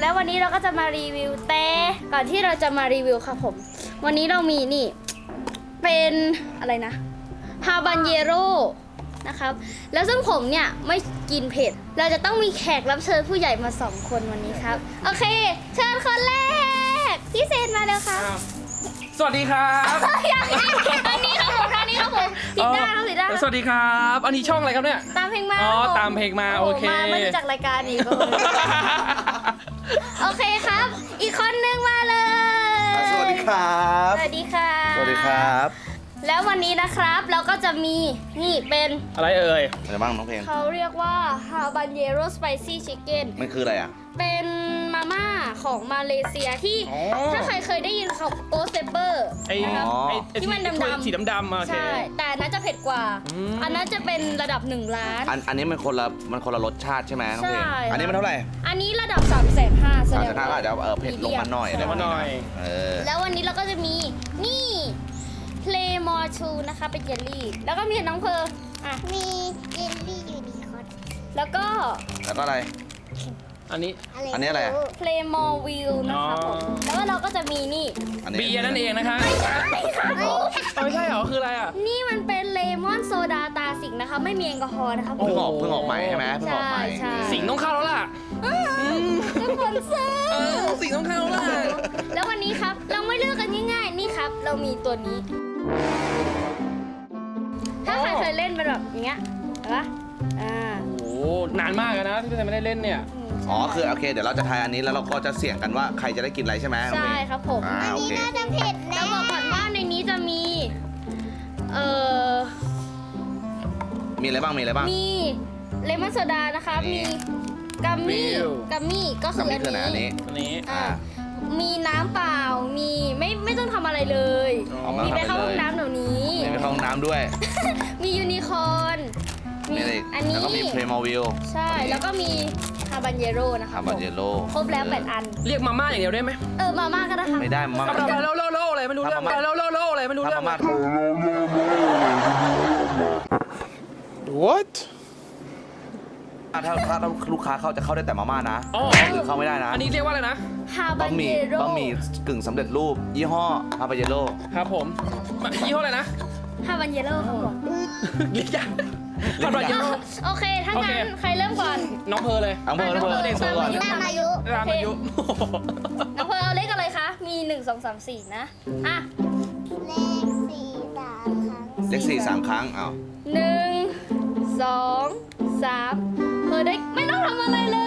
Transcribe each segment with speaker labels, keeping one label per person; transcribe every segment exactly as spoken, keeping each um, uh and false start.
Speaker 1: แล้ววันนี้เราก็จะมารีวิวแต่ก่อนที่เราจะมารีวิวครับผมวันนี้เรามีนี่เป็นอะไรนะฮาบานเยโร่นะครับแล้วซึ่งผมเนี่ยไม่กินเผ็ดเราจะต้องมีแขกรับเชิญผู้ใหญ่มาสองคนวันนี้ครับโอเคเชิญคนแรกพี่เซนมาแล้วครับ
Speaker 2: สวัสดีครับ
Speaker 1: อย่างนี้อันนี้ครับผมอันนี้ครับผมผิดด้านครับผิดด้าน
Speaker 2: สวัสดีครับอันนี้ช่องอะไรครับเนี่ย
Speaker 1: ตามเพลงมา
Speaker 2: อ๋อตามเพลงมาโอเค
Speaker 1: มาไม่รู้จักรายการนี้ก็โอเคครับอีกคนนึงมาเลย
Speaker 3: สวัสดีครับ
Speaker 1: สวัสดีค่ะ
Speaker 3: สวัสดีครับ
Speaker 1: แล้ววันนี้นะครับเราก็จะมีนี่เป็น
Speaker 2: อะไรเอ่ย
Speaker 3: อะไรบ้างน้องเพลง
Speaker 1: เขาเรียกว่าฮาบานเยโร่สไปซี่ชิคเก้น
Speaker 3: มันคืออะไรอ่ะ
Speaker 1: เป็นมาม่าของมาเลเซียที่
Speaker 2: อ๋อ
Speaker 1: ถ้าใครเคยได้ยินเขาโกสเซเปอร์
Speaker 2: ไอ้
Speaker 1: นะครับ
Speaker 2: ไอ้ไอ้
Speaker 1: ที่มันดำๆ
Speaker 2: สีดำๆโอเค
Speaker 1: ใช่แต่อันนั้นจะเผ็ดกว่า
Speaker 2: อืม
Speaker 1: อันนั้นจะเป็นระดับหนึ่งล้าน
Speaker 3: อันอันนี้มันคนละมันคนละรสชาติใช่ไหมน้องเพลง
Speaker 1: ใช่
Speaker 3: อันนี้มันเท่าไหร่
Speaker 1: อันนี้ระดับ3ามแสนห้าแส
Speaker 3: สาม
Speaker 1: ด
Speaker 3: สิ
Speaker 1: ง
Speaker 3: บห้าก็
Speaker 1: ว่า
Speaker 3: อาจจะเออเผ็ดลงมาหน่อย
Speaker 1: ใช่
Speaker 3: อะไรแบบนี้
Speaker 2: ลงมาหน่อย
Speaker 3: นะเออ
Speaker 1: แล้ววันนี้เราก็จะมีนี่เพลมอชูนะคะเป็นเยลลี่ แล้วก็มีน้องเพอร์อ่ะ
Speaker 4: มีเยลลี่ยูนิคอร์น
Speaker 1: แล้วก็
Speaker 3: แล้วก็อะไร
Speaker 2: อันนี้
Speaker 4: อะไร
Speaker 3: อันนี้อะไร
Speaker 4: ม่
Speaker 1: เพลมอวิลนะคะผม
Speaker 2: อ๋อ
Speaker 1: แล้วก็เราก็จะมีนี่
Speaker 3: อันนี้
Speaker 2: เบียร์นั่นเองนะคะเอาไม่ใช่เหรอคืออะไรอ่ะ
Speaker 1: นี่มันเป็นเลมอนโซดาตาสิงนะคะ ไม่มีแอลกอฮอล์นะคะผม
Speaker 3: เพิ่งออกเพิ่งออกใหม่ใช่ไหมเพิ่งออกใหม่
Speaker 1: ใช่
Speaker 2: สิงต้องเข้าแล้วล่ะ
Speaker 1: ทุกคนซื้อ
Speaker 2: เออสิงต้องเข้าแล้วล่ะ
Speaker 1: แล้ววันนี้ครับเราไม่เลือกกันง่ายๆนี่ครับ เรามีตัวนี้ ถ้าใครเคยเล่นเป็นแบบอย่างเงี้ยเห็นปะอ่า
Speaker 2: โอ้โหนานมากแล้วนะที่พี่ไม่ได้เล่นเนี่ย
Speaker 3: อ๋อคือโอเคเดี๋ยวเราจะทายอันนี้แล้วเราก็จะเสี่ยงกันว่าใครจะได้กินอะไรใช่ไหมน้องเพล
Speaker 1: ใช่
Speaker 3: ง
Speaker 1: ครับผม
Speaker 3: อ่าโอ
Speaker 4: นี่
Speaker 3: เค
Speaker 4: น่าจะเผ็ด
Speaker 1: แล้
Speaker 4: แน่
Speaker 1: วบอกก่อนว่าในนี้จะมี เอ่อ
Speaker 3: มีอะไรบ้างมีอะไรบ้าง
Speaker 1: มีเลมอนโซดานะคะ
Speaker 3: นี่
Speaker 1: มีกัมมี่
Speaker 2: วิว
Speaker 1: กัมมี่ก็คือ
Speaker 3: น้ำนี่
Speaker 1: อัน
Speaker 3: คือไหนอัน
Speaker 1: นี้
Speaker 3: นี้
Speaker 2: อันนี้
Speaker 1: อ่า
Speaker 3: อ่า
Speaker 1: มีน้ำเปล่า มีไม่ไม่ต้องทำอะไรเลย
Speaker 3: อ๋อไม่
Speaker 1: มี
Speaker 3: ต้อง
Speaker 1: ไป
Speaker 3: ทำอะไร
Speaker 1: เข้าห้อง
Speaker 3: เลย
Speaker 1: น้ำเดี๋ยวนี้
Speaker 3: มีไปเข้าห้องน้ำด้วย
Speaker 1: มียูนิคอร์น มี
Speaker 3: มีอะไรอีก
Speaker 1: อันนี้
Speaker 3: แล้วก็มีเพลมอวิล
Speaker 1: ใช่ แล้วก็มีฮาบันเยโร่นะคะ
Speaker 3: ฮาบาเยโร่
Speaker 1: ครบแล้วแปดอัน
Speaker 2: เรียกมาม่าอย่างเดียวได้ไหม
Speaker 1: เออ มาม่าก็ได้ค่ะ
Speaker 3: ไม่ได้มา
Speaker 2: เอา
Speaker 3: ม่า
Speaker 2: ไปเล่าเล่าเล่าอะไรไม่รู้เรื่อง
Speaker 3: ทำมาม่า
Speaker 2: เล่าเล่าเล่าอะไรไม่รู้
Speaker 3: ทำ
Speaker 2: เรื่อง
Speaker 3: มาม่า
Speaker 5: What?
Speaker 3: ถ้าถ้าลูกค้าเข้าจะเข้าได้แต่มาม่านะ
Speaker 2: อ๋อ
Speaker 3: หรือเข้าไม่ได้นะ
Speaker 2: อันนี้เรียกว่าอะไรนะ
Speaker 1: ฮาบั
Speaker 3: บะ
Speaker 1: น
Speaker 3: ห
Speaker 1: เย
Speaker 3: มี่
Speaker 1: โร่
Speaker 3: บะหมี่กึ่งสำเร็จรูป ยี่ห้อฮาบาเยโร่
Speaker 2: ครับผมยี่ห้ออะไรนะ
Speaker 1: ฮาบันเยโร่ครับผม
Speaker 2: เรียกยากทำไรเยอะ
Speaker 1: โอเค ถ้า
Speaker 2: โอเค
Speaker 1: งั้นใครเริ่มก่อน
Speaker 2: น้องเพอเลย
Speaker 3: อังเบอร์อังเบอร์
Speaker 2: เด็ก
Speaker 3: เบอร์ก่อน
Speaker 1: ตามอายุ
Speaker 2: ตามอายุ
Speaker 1: น้องเพร์ลเอาเลขอะไรคะ มีหนึ่งสองสามสี่นะ อ่ะ
Speaker 4: เลขสี่สามครั้ง
Speaker 3: เลขสี่สามครั้งอ้าว
Speaker 1: หนึ่งสองสามเพร์ลได้ไม่ต้องทำอะไรเลย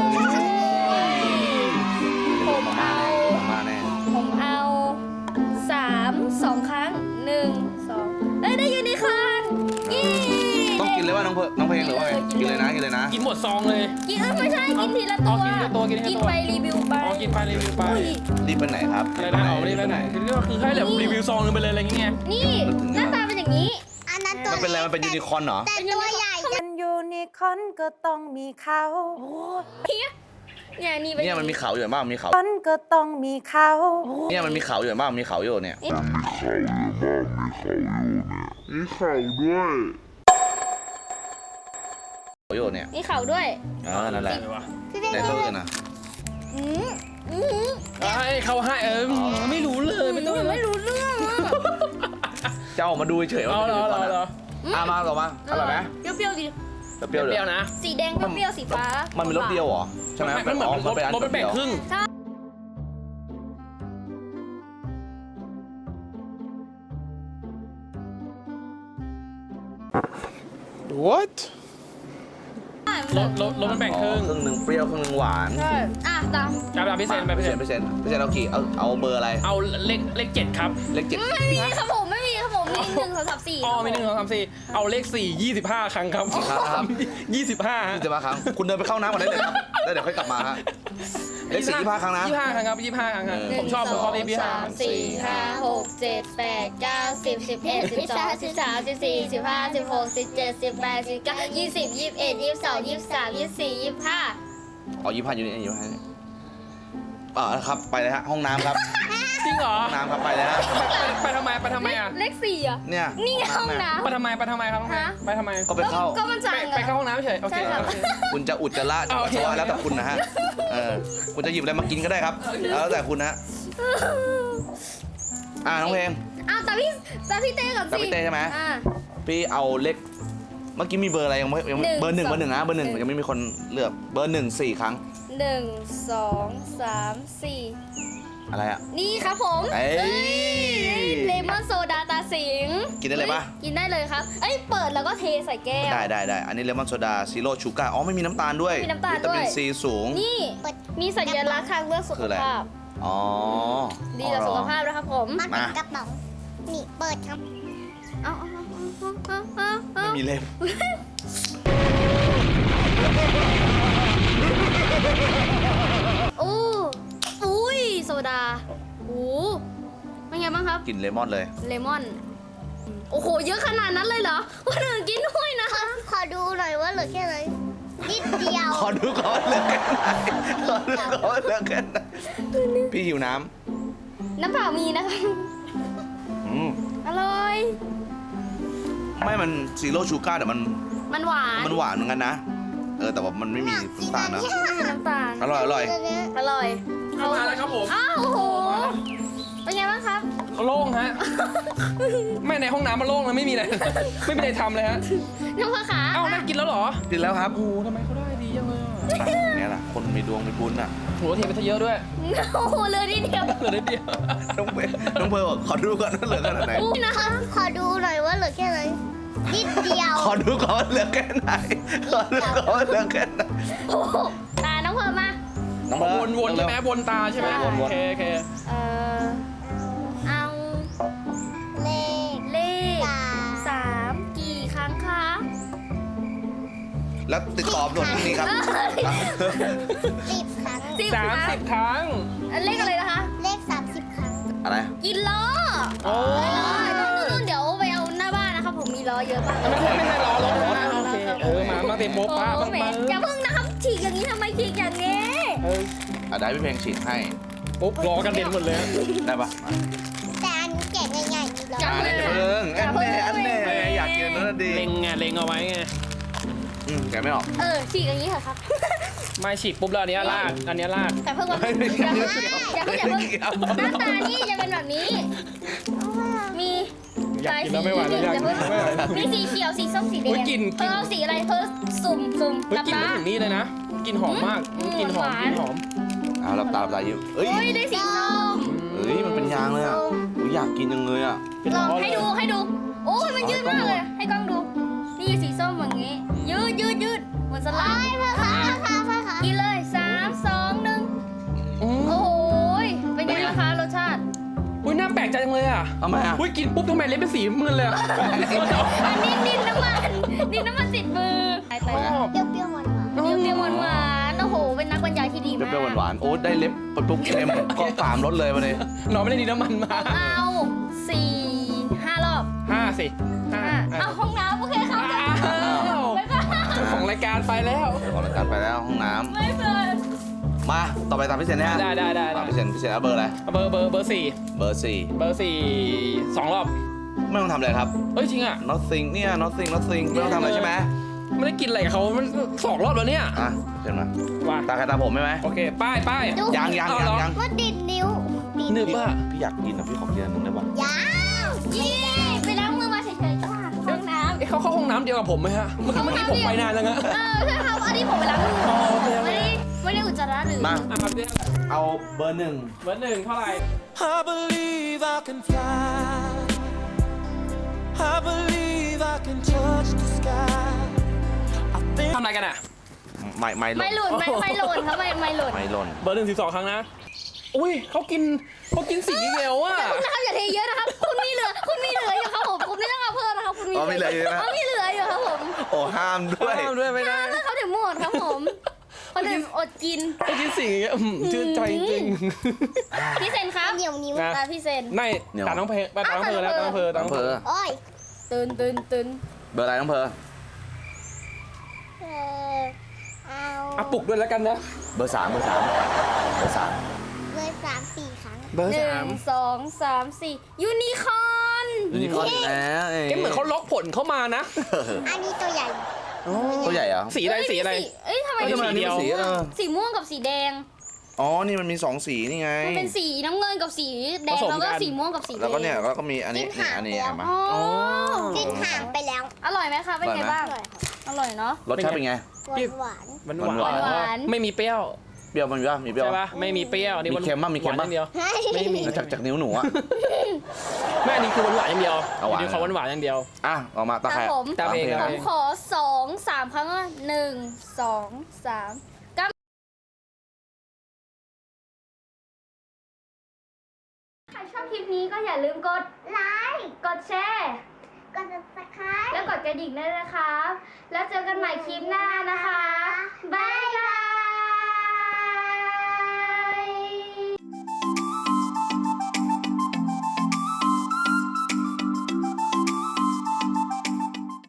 Speaker 1: ผมเอา
Speaker 3: มาม่าแน่
Speaker 1: ผมเอาสามสองครั้งหนึ่งสองเอ้ยได้ยูนิคอร์นยี่
Speaker 3: ต้องกินเลยว่าน้องเพลน้องเพลงหรือว่าไง
Speaker 1: กิ
Speaker 3: กิน
Speaker 1: น
Speaker 3: เล
Speaker 1: เลย ย
Speaker 3: นะกินเลยนะ
Speaker 2: กินหมดซองเลย
Speaker 1: กินเอ้ยไม่ใช่กินทีละตัว
Speaker 2: อ๋อกินทีละตัวกินทีละตัว
Speaker 1: ไปรีวิวไป
Speaker 2: อ๋อกินไปรีวิวไป
Speaker 1: อุ้ย
Speaker 3: รีบไปไหนครับ
Speaker 2: อะไรนะอ๋อรีบไปไหนคือก็คือให้แบบรีวิวซองนึงไปเลยอะไรอย่างเงี้ย
Speaker 1: นี่หน้าตาเป็นอย่างนี้
Speaker 4: อันนั้นตัว
Speaker 3: มันเป็นอะไรมันเป็นยูนิคอร์นเหรอ
Speaker 4: แต่ตัวใหญ่จะ
Speaker 6: เป็นยูนิคอร์นก็ต้องมีเขา
Speaker 1: เนี่ยนี่เป็น
Speaker 3: เนี่ยมันมีเขาอยู่บ้างมีเขา
Speaker 6: คอนก็ต้องมีเขา
Speaker 3: เนี่ยมันมีเขาอยู่บ้างมีเขาอยู่เนี่ย เขาอยู่เนี่ย
Speaker 1: มีเขาด้วย
Speaker 3: เออนั่นแหละ
Speaker 2: อะไรวะ
Speaker 4: พี่เป็น
Speaker 3: ในตัวอื่นนะ
Speaker 1: อืมอืม
Speaker 2: ไอ้เขาให้เออไม่รู้เลยไม่ต้อง
Speaker 1: ไม่รู้เรื่องอะ
Speaker 3: จะออกมาดูเฉยๆว่า
Speaker 2: เอา
Speaker 3: เป็น
Speaker 2: เหร
Speaker 3: ยู
Speaker 2: อ
Speaker 3: นิคอร์น
Speaker 2: เหรอ
Speaker 3: อ่ะมาต่อมาอร่อยไหม
Speaker 1: เปรี้ยวๆดิ
Speaker 3: เปรี้ยวๆ
Speaker 2: เป
Speaker 3: เดี๋
Speaker 2: รี้
Speaker 3: ย
Speaker 2: ยว วนะ
Speaker 1: สีแดงก็เปรี้ยวสีฟ้า
Speaker 3: มันเป็นรสเดียวเหรอใช่ไหม
Speaker 2: มันเหมือน
Speaker 3: อ๋อ
Speaker 2: รถ
Speaker 3: เป็นอัน
Speaker 2: รถมันแบ่งครึ่ง
Speaker 5: What?
Speaker 2: รถรถรถมันแบ่งครึ่ง
Speaker 3: ครึ่งหนึ่งเปรี้ยวครึ่งหนึ่งหวาน
Speaker 1: ใช่อ่ะตาม
Speaker 2: จับจับพิเศษไป
Speaker 3: เปอ
Speaker 2: พิ
Speaker 3: ร์
Speaker 2: เศ
Speaker 3: เซ็น
Speaker 2: ษ
Speaker 3: ต์เปอร์เซ็นต์เปอร์เซ็นต์เอากี่เอาเอาเบอร์อะไร
Speaker 2: เอาเลขเลขเจ็ดครับ
Speaker 3: เลขเจ็ด
Speaker 1: ไม่มีครับผมไม่มีครับผมมีหนึ่งสองสามสี่
Speaker 2: อ๋อมีหนึ่งสองสามสี่เอาเลขสี่ยี่สิบห้าครั้งครับยี่สิบห้า
Speaker 3: ยี่สิบห้าครั้งคุณเดินไปเข้าน้ำก่อนได้เลยครับแล้วเดี๋ยวค่อยกลับมาฮะเลขสี่ยี่สิบห้าครั้งนะ
Speaker 2: ยี่สิบห้าครั้งครับยี่สิบห้าครั้งครับ
Speaker 3: เออ
Speaker 2: ผมชอบผมชอบเลขยี่สิบห้า
Speaker 1: สามสี่ห้าหกเจ็ดแปดเก้าสิบสิบเอ็ดสิบสองสิบสามสิบสี่สิบห้าสิบหกสิบเจ็ดสิบแปดสิบเก้ายี่สิบยี่สิบเอ็ดยี่สิบสองยี่สิบสามยี่สิบสี่ยี่สิบห้า
Speaker 3: อ๋อยี่สิบห้าอยู่นี่ยี่สิบห้าเออครับไปเลยฮะห้องน้ำครับ
Speaker 2: จริงเหรอ
Speaker 3: ห้องน้ำครับไปเลยฮะ
Speaker 2: ไปไปทำไมไปทำไมอ่ะ
Speaker 1: เลขสี่อ่ะ
Speaker 3: เนี่ย
Speaker 1: นี่ห้องน้
Speaker 2: ไปทำไมไปทำไมครับ
Speaker 1: ฮะ
Speaker 2: ไปทำไม
Speaker 3: ก็ไปเข้า
Speaker 1: ก็มันสั่ง
Speaker 2: ไป
Speaker 1: อะ
Speaker 2: ไปเข้าห้องน้ำเฉยโอเค
Speaker 1: ใช่ครับ
Speaker 2: โอเค
Speaker 3: คุณจะอุจจาระจะ
Speaker 2: โอ
Speaker 3: ปัส
Speaker 2: เค
Speaker 3: สาวะ
Speaker 2: โอเค
Speaker 3: แล้วแต่คุณนะฮะเออคุณจะหยิบอะไรมากินก็ได้ครับแล้วแต่คุณนะฮะอ่าน้องเพลง
Speaker 1: อ้าวแต่พี่แต่พี่เต้ก่อนสิ
Speaker 3: แต่พี่เต้ใช่ไหม
Speaker 1: อ่า
Speaker 3: พี่เอาเลขเมื่อกี้มีเบอร์อะไรยังไม่ยังไม่
Speaker 1: หนึ่ง
Speaker 3: เบอร์หนึ่ง
Speaker 1: สอง
Speaker 3: เบอร์หนึ่งนะเบอร์หนึ่ง
Speaker 1: หนึ่ง
Speaker 3: ยังไม่มีคนเลือกเบอร์หนึ่งสี่ครั้ง
Speaker 1: หนึ่งสองสามสี่
Speaker 3: อะไรอ่ะ
Speaker 1: นี่ครับผม
Speaker 3: เอ้ย
Speaker 1: เลมอนโซดาตาสิง
Speaker 3: กินได้เลยปะ
Speaker 1: กินได้เลยครับ เอ้ยเปิดแล้วก็เทใส่แก้ว
Speaker 3: ได้ได้ได้อันนี้เลมอนโซดาซีโร่ชูการ์อ๋อไม่มีน้ำตาลด้วย
Speaker 1: ไม่มีน้ำตาล
Speaker 3: วิตามิน
Speaker 1: ด้วย
Speaker 3: ซีสูง
Speaker 1: นี่มีสัญลักษณ์ทางเลือกสุ
Speaker 3: คื
Speaker 1: ข
Speaker 3: ออะไร
Speaker 1: ภาพ
Speaker 3: อ๋อ
Speaker 1: ดีต่อสุขภาพนะครับผม
Speaker 4: มันเป็นกระเป๋านี่เปิดครับ
Speaker 1: เอาเอาเอาเอาเอาเอา
Speaker 3: ไม่มีเล่ม
Speaker 1: โอ้อุ้ยโซดาโอ้เป็นไงบ้างครับ
Speaker 3: กลิ่นเลมอนเลย
Speaker 1: เลมอน โอ้โห เยอะขนาดนั้นเลยเหรอวันหนึ่งกินด้วยนะคะ
Speaker 4: ขอดูหน่อยว่าเหลือแค่ไหนนิดเดียว
Speaker 3: ขอดูก่อนเลือกกันไหนขอดูก่อนเลือกกันไหนพี่หิวน้
Speaker 1: น้ำเปล่ามีนะคะ
Speaker 3: ำอืม
Speaker 1: อร่อย
Speaker 3: ไม่มันซีโร่ชูการ์แต่มัน
Speaker 1: มันหวาน
Speaker 3: มันหวานเหมือนกันนะ เออแต่ว่ามันไม่มีน้ำตาลนะ
Speaker 1: ไม่มีน้ำตาล
Speaker 3: อร่อยอร่อย
Speaker 1: อร่อย
Speaker 2: เข้ามาแล้วครับผม
Speaker 1: อ้าวโอ้โห เป็นไงบ้างครับ
Speaker 2: โล่งฮะไม่ในห้องน้ำมันโล่งเลยไม่มีอะไรไม่มีอะไรทำเลยฮะ
Speaker 1: น้ำผาขา
Speaker 2: เอ้านั่งกินแล้วเหรอ
Speaker 3: กินแล้วครับ
Speaker 2: โอ้โหทำไมเขาได้ดีจังเลยอ่ะ
Speaker 3: อ่ะอย่างเงี้ยแหละคนมีดวงมีบุญอ่ะ
Speaker 2: โหเทไปซะเยอะด้วย
Speaker 1: โอ้โหเหลยนิดเดียว
Speaker 2: เหลือนิดเดียว
Speaker 3: น้องเพร์น้องเพร์บอกขอดูก่อนว่าเหลือขนาดไหน
Speaker 1: อู้นะคะ
Speaker 4: ขอดูหน่อยว่าเหลือแค่ไหนนิดเดียว
Speaker 3: ขอดูก่อนว่าเหลือแค่ไหนขอดูก่อนว่าเหลือแค่ไหน
Speaker 1: โอ้โหตาน้องเพร์มา
Speaker 3: น้องเพร์
Speaker 2: วนวนๆใช่ไหมวนตาใช่ไหม
Speaker 3: วนๆ
Speaker 2: โอเคโอเค
Speaker 1: เอ่อ เอา
Speaker 4: เลข
Speaker 1: เลข
Speaker 4: สาม
Speaker 1: สามกี่ครั้งคะ
Speaker 3: แล้วติดต่อด่วนพรุ่งนี้ครับ
Speaker 4: สิบครั้ง
Speaker 1: สิบ
Speaker 2: สาม
Speaker 1: ครั้ง
Speaker 2: สิบครั้ง
Speaker 1: เลขอะไรนะคะ
Speaker 4: เลขสามสิบครั้ง
Speaker 3: อะไร
Speaker 1: กินล้อ
Speaker 2: โอ้
Speaker 1: นู่นนู่นเดี๋ยวไปเอาหน้าบ้านนะครับผมมีล้อเยอะมาก
Speaker 2: ไม่ใช่ไม่ใช่ล้อรถนะโอเคเออมามาเต็มโม
Speaker 1: โอ้
Speaker 2: ป้าบ้าง
Speaker 1: แหม
Speaker 2: มา
Speaker 1: อย่าเพิ่งนะครับฉีกอย่างนี้ทำไมฉีกอย่างนี้
Speaker 2: เออ
Speaker 3: อ่ะได้พี่เพลงฉีดให้
Speaker 2: ปุ๊บล้อกันเด่นหมดเลย
Speaker 3: ได้ปะ
Speaker 4: แต่อันนี้แกะง่ายๆนี่เหรอ
Speaker 1: จับ
Speaker 3: อ่า
Speaker 1: เลย
Speaker 3: เพิ่งอันแน่อันแน่อยากกินอันนั้นนะดี
Speaker 2: เล็งไงเล็งเอาไว้ไง
Speaker 3: อืมแกะไม่ออก
Speaker 1: เออฉีกอย่างนี้เถอะครับ
Speaker 2: ไม่ฉีกปุ๊บแล้วอันเนี้ยลากอันเนี้ยลาก
Speaker 1: แต่เพิ่งว่า
Speaker 3: ไม่ไม่
Speaker 1: อย่า
Speaker 3: ไม่
Speaker 1: เพิ่ง
Speaker 3: เกี่ยว
Speaker 1: อย่าเพิ่งอย่าเพิ่ง
Speaker 3: ไม่เกี่ยว
Speaker 1: หน้าตานี่จะเป็นแบบนี้ มี
Speaker 2: อยากกินแล้วไม่ไหวแล้วอยากกินแล้วไม่ไหวแล้ว
Speaker 1: มีสีเขียวสีส้มสีแด
Speaker 2: อุ๊
Speaker 1: ง
Speaker 2: ยกลิ่น
Speaker 1: เธอเอาสีอะไรเธอสุ่มสุ่ม
Speaker 2: เฮ้ย
Speaker 1: หลับ
Speaker 2: กลิน
Speaker 1: ตา
Speaker 2: มาถึงนี่เลยนะกลินหอมมาก
Speaker 1: อืม
Speaker 2: กลินหอม
Speaker 1: หวาน
Speaker 2: กลินหอม
Speaker 3: เอาหลับตาหลับตายิ้มเอ้ย
Speaker 1: โอ้ยได้สีส้ม
Speaker 3: เอ้ยมันเป็นยางเลยอ่ะอุ๊ยอยากกินจังเลยอ่ะ
Speaker 2: เป็น
Speaker 1: ลอง
Speaker 2: ล้อ
Speaker 1: ให้
Speaker 2: เลย
Speaker 1: ดูให้ดู โอ้ยมันยืดมากเลย ให้กล้องดู นี่สีส้มอย่างงี้ ยืดยืดยืดเหมือนสไลด์
Speaker 4: พ่อคะพ่อคะพ่อคะ
Speaker 1: กินเลยสามสองหนึ่ง
Speaker 2: อืม
Speaker 1: โอ้ยเป็นไงนะคะรสชาติ
Speaker 2: อุ้ยน่าแปลกใจจังเลยอ่ะ
Speaker 3: ทำไมอ่ะ
Speaker 2: อุ้ยกินปุ๊บทำไมเล็บเป็นสีมึนเลยอ่ะ
Speaker 1: อันนี้ดินน้ำมันดินน้ำมันติดมือไปไป
Speaker 2: ชอบ
Speaker 4: เปรี้ยวๆหวาน
Speaker 1: เปรี้ยวๆหวานๆโอ้โห เป็นนักบรรยายที่ดีมาก
Speaker 3: เปรี้ยวๆหวานๆโอ้ได้เล็บปุ๊บเค็มก็สามรสเลยมาเลย
Speaker 2: น้องไม่ได้ดีน้ำมันมา
Speaker 1: เอาสี่ห้ารอบ
Speaker 2: ห้าสิห้า
Speaker 1: อ่ะเอาห้องน้ำโอเคครับ
Speaker 2: อ้าว
Speaker 1: บ๊ายบาย
Speaker 2: เจ้าของรายการไปแล้ว
Speaker 3: เดี๋ยวขอรายการไปแล้วห้องน้
Speaker 1: ไม่เปิด
Speaker 3: ำมาต่อไปตามพี่เซนนะฮะ
Speaker 2: ได้ได้ได้
Speaker 3: ตาม
Speaker 2: ได้
Speaker 3: พี่เซนพี่เซนเอาเบอร์อะไร
Speaker 2: เบอร์เบอร์เบอร์สี่
Speaker 3: เบอร์สี่
Speaker 2: เบอร์สี่สองรอบ
Speaker 3: ไม่ต้องทำอะไรครับ
Speaker 2: เอ้ยจริงอ่ะ
Speaker 3: nothing เนี่ย nothing nothing ไม่ต้องทำอะไรใช่ไหม
Speaker 2: ไม่ได้กินอะไรกับเขามันสองรอบแล้วเนี่ย
Speaker 3: อ่ะเห็นไหม
Speaker 2: ว่า
Speaker 3: ตาใครตาผมใช่ไหม
Speaker 2: โอเคป้ายป้าย
Speaker 3: ยังยัง
Speaker 2: เอา
Speaker 3: ยัง
Speaker 2: เหรอ
Speaker 3: ยัง
Speaker 4: ว่าดิดนิ้วดิด
Speaker 2: นึกว่า
Speaker 3: พี่อยากกินอ่ะพี่ขอกินอันนึงได้ปะ
Speaker 4: ยาว
Speaker 1: ยี่ไปล้างมือมาเฉยๆจ้าห้องน้ำ
Speaker 2: เอ๊ะเขาเข้าห้องน้ำเดียวกับผมไหมฮะเมื่อกี้เมื่อกี้ผมไปนานแล้วนะ
Speaker 1: เออใช่ครับอันนี้ผมไปล้างมือ
Speaker 2: อ๋อโอเคโอเค
Speaker 1: ไม่ได้ไม่ได้อุจจาระหรือ
Speaker 3: มา
Speaker 2: อ่ะครับเนี่ย
Speaker 3: เอาเบอร์หนึ่ง
Speaker 2: เบอร์หนึ่งเท่าไหร่
Speaker 5: I believe I can fly. I believe I can touch the sky. I think
Speaker 2: ทำอะไรกันอ่ะ
Speaker 3: ไม่ไม่หล่
Speaker 1: ไม่
Speaker 3: น
Speaker 1: หล่นไม่ไม่หล่นครับไม่ไม่หล่น
Speaker 3: ไม่หล่น
Speaker 2: เบอร์หนึ่งสิบสองครั้งนะ อุ้ยเขากินเขากินสีเขียวอ่ะ
Speaker 1: นะครับอย่าเทเยอะนะครับ คุณมีเหลือคุณมีเหลืออยู่ครับผมคุณไม่ต้องเอาเพิ่มนะครับคุณมี
Speaker 3: อ๋อมีเหลืออยู่นะ
Speaker 1: อ๋อมีเหลืออยู่ครับผม
Speaker 3: โอ้ห้ามด้วย
Speaker 2: ห้ามด้วยไม่ได้
Speaker 1: ถ้าเขาถึงหมดครับผมเขาถึงอดกิน
Speaker 2: เขากินสีอย่างเงี้ยอืมชื่นใจจริง
Speaker 1: พี่เซนครับ
Speaker 4: เหนียวนิ้ว
Speaker 2: นะ
Speaker 1: ตาพี่เซน
Speaker 2: ไม่ตาน้องเพลตาน้องเพลแล้วตาน้องเพลตา
Speaker 3: น้
Speaker 2: น้
Speaker 3: อ
Speaker 2: อง ง
Speaker 3: เพ
Speaker 2: เพล
Speaker 3: อ
Speaker 4: โอ้ย
Speaker 1: ตื่นตื่นตื่น
Speaker 3: เบอร์อะไรน้องเพอ
Speaker 4: เออเอา
Speaker 2: อ่ะปลุกด้วยแล้วกันนะ
Speaker 3: เบอร์สามเบอร์สามเบอร์สาม
Speaker 2: เบอร์
Speaker 1: หนึ่
Speaker 2: สาม
Speaker 1: งสองสามสี่ยูนิคอร์น
Speaker 3: ยูนิคอร์นอีกแล้วเอ้ย
Speaker 2: เกมเหมือนเขาล็อกผลเข้ามานะ
Speaker 4: อันนี้ตัวใหญ่
Speaker 3: ตัวใหญ่เหรอ
Speaker 2: สีอะไรสีอะไร
Speaker 1: เอ้ยทำไม
Speaker 2: เอ้ย
Speaker 1: มี
Speaker 2: ทำไม
Speaker 1: สี
Speaker 2: เดียว
Speaker 3: สีเออ
Speaker 1: สีม่วงกับสีแดง
Speaker 3: อ๋อ นี่มันมีสองสีนี่ไง
Speaker 1: มันเป็นสีน้ำเงินกับสีแดง
Speaker 2: ผสม
Speaker 1: แล้วก็
Speaker 2: กัน
Speaker 1: สีม่วงกับสีแดง
Speaker 3: แล้วก็เนี่ยแล้วก็มีอันนี้
Speaker 4: กิน
Speaker 3: นี่
Speaker 4: หาง
Speaker 3: อันนี้
Speaker 4: แล้ว
Speaker 3: เห็นไหม
Speaker 1: อ๋อ
Speaker 2: อ๋อ
Speaker 4: กินห่างไปแล้ว
Speaker 1: อร่อยไหมคะเป็นไง
Speaker 3: อร่อยไหม
Speaker 1: บ้าง อร่อยเนาะ
Speaker 3: รสชาติเป็นไง
Speaker 4: หวานหวาน
Speaker 2: หวานหวาน
Speaker 1: หวาน
Speaker 2: ไม่มีเปรี้ยว
Speaker 3: เปรี้ยวมันมีป่ะมีเปรี้ยว
Speaker 2: ใช่
Speaker 3: ปะ
Speaker 2: ปะไม่มีเปรี้ยวอันนี้
Speaker 3: มีเค็มบ้างมีเค็มบ้าง
Speaker 2: หวานอย่างเดียว ไม่มี
Speaker 3: จากจากนิ้วหนูอะ
Speaker 2: แม่อันนี้คือหวานๆอย่างเดียว
Speaker 3: เอาหวาน
Speaker 2: อันนี้เขาหวานๆอย่างเดียว
Speaker 3: อ่ะออกมาตา
Speaker 1: ค
Speaker 3: ใคร
Speaker 1: รับผม
Speaker 2: ตามเอง
Speaker 3: โค
Speaker 2: ตา
Speaker 1: ผม
Speaker 2: เอง
Speaker 1: ขอสองสามครั้งว่าหนึ่งสองสามก้ามใครชอบคลิปนี้ก็อย่าลืมกดไลค์กดแชร์
Speaker 4: กด subscribe
Speaker 1: แล้วกดกระดิ่งด้วยนะครับ แล้วเจอกันใหม่คลิปหน้านะคะ บ๊าย